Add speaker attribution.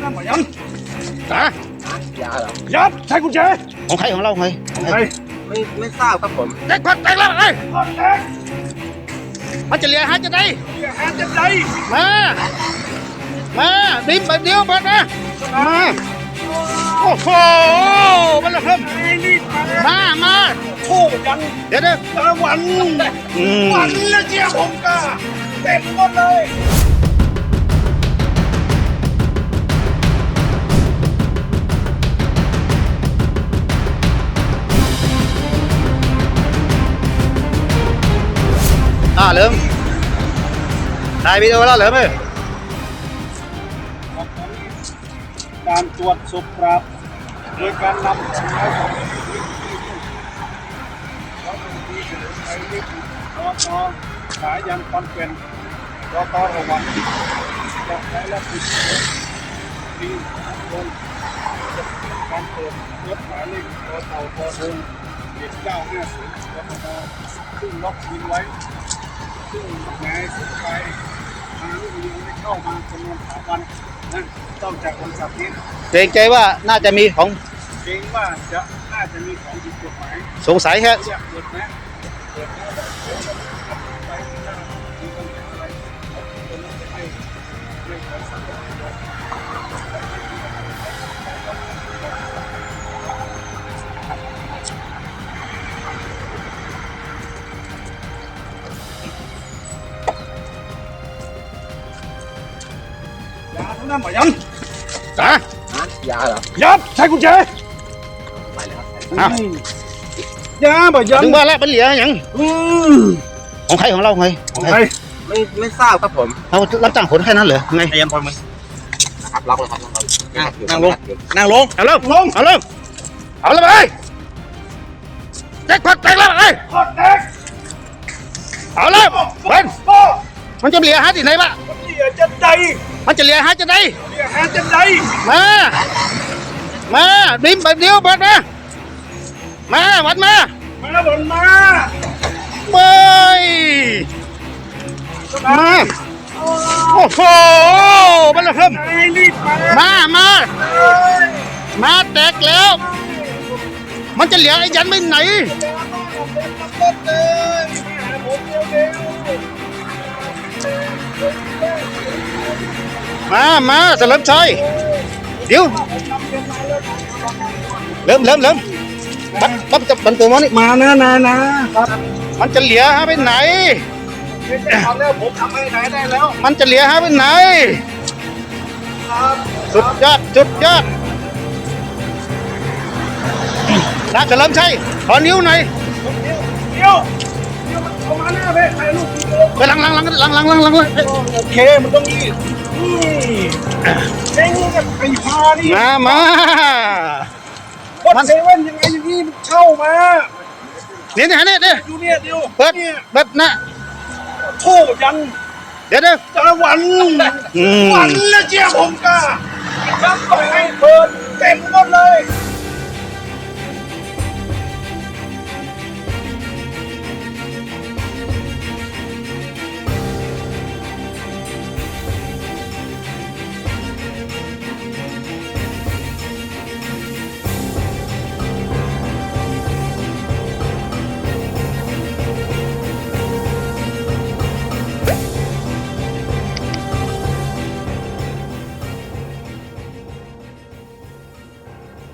Speaker 1: นั่นหมอยัง
Speaker 2: ฮะ
Speaker 3: ยาเหรอ
Speaker 1: ยับใช้กุญแจ
Speaker 2: ของใครของเราไง
Speaker 1: ของใคร
Speaker 3: ไม่ทราบครับผม
Speaker 2: แตกแตกแล้วไอ้
Speaker 1: แตก
Speaker 2: มันจะเหลียหาจะได้
Speaker 1: แฮนจะใจ
Speaker 2: มาดิ้นแบบเดียวเปิดนะมาโอ้โหมันละครับมา
Speaker 1: โอ้ยัง
Speaker 2: เดี๋ยว
Speaker 1: วันละเจียผมกะเต็มหมดเลย
Speaker 2: เหลิมถ่ายวิดีโอแล้วเหลิมเอ้ย
Speaker 1: การตรวจศพครับโดยการนำสายของสายยันคอนเป็นรอตอระวังจะใช้และปิดปีลงการเปิดรถหมายเลขรอเต่าพอเดิน1950รถมอซึ่งล็อกยิงไว้ซึ่งนายสุดท้ายทางลูกยิงได้เข้ามาจำนวน3 วันนะต้องจากวันศักดิ์นี้
Speaker 2: เกรงใจว่าน่าจะมีของ
Speaker 1: เกรงว่าน่าจะมีของผิดกฎหมาย
Speaker 2: สงสัยแค่
Speaker 1: เปิดนะเปิดนะไปที่หน้ามีปัญหาอะไรคนนั้นจะไม่ขอสั่งยาทั้งนั้นหมอยัง
Speaker 3: ยาเหรอ
Speaker 1: ยับใช้กุญแจ
Speaker 3: ไปเลยครับ
Speaker 1: ยาบ่ยัง
Speaker 2: ถึงว่าแล้วมันเหลียอย่างของใครของเราไง
Speaker 1: ของใคร
Speaker 3: ไม่ทราบครับผม
Speaker 2: เรารับจ้างขนแค่นั้นเหรอไง
Speaker 3: พยายามพอมึงนะครับล็อกเลยครับ
Speaker 2: นั่งลงเอาเริ่มเอาเลยไปแตกแล้วไอ้
Speaker 1: แตก
Speaker 2: เอาเลยเป็นมันจะเหลียหาที่ไหนบ้าง
Speaker 1: เหลียจะใจ
Speaker 2: มันจะเหลียหาจะได้
Speaker 1: เหลียหาจะใจ
Speaker 2: มาดิ้นแบบเดียวเปิดนะวัดมาเฮ้ยโอ้โหมันละครับมาแตกแล้วมันจะเหลียไอ้ยันไปไหนมาเฉลิมชัยเดี๋ยวเริ่มมันตัวมัน
Speaker 1: มานะครับ
Speaker 2: มันจะเหลียหาไปไหน
Speaker 1: ผมทำให้ไหนได้แล้ว
Speaker 2: มันจะเหลียหาไปไหนสุดยอดนะเฉลิมชัยขอนิ้วหน่อย
Speaker 1: เดี๋ยวเอามาหน้าไปถ่ายรูป
Speaker 2: ไปหลัง
Speaker 1: โอเคมันต้องนี่เด้งกับไอ้พานี่
Speaker 2: มา
Speaker 1: วัดเซเว่นยังไงอย่างนี้มันเข้ามา
Speaker 2: เนี่ยดูเนี่ย
Speaker 1: เดี๋ยว
Speaker 2: เปิดนะ
Speaker 1: โทษยัง
Speaker 2: เดี๋ยว
Speaker 1: จะวันละเจียผมกะครับไปให้เปิดเต็มหมดเลย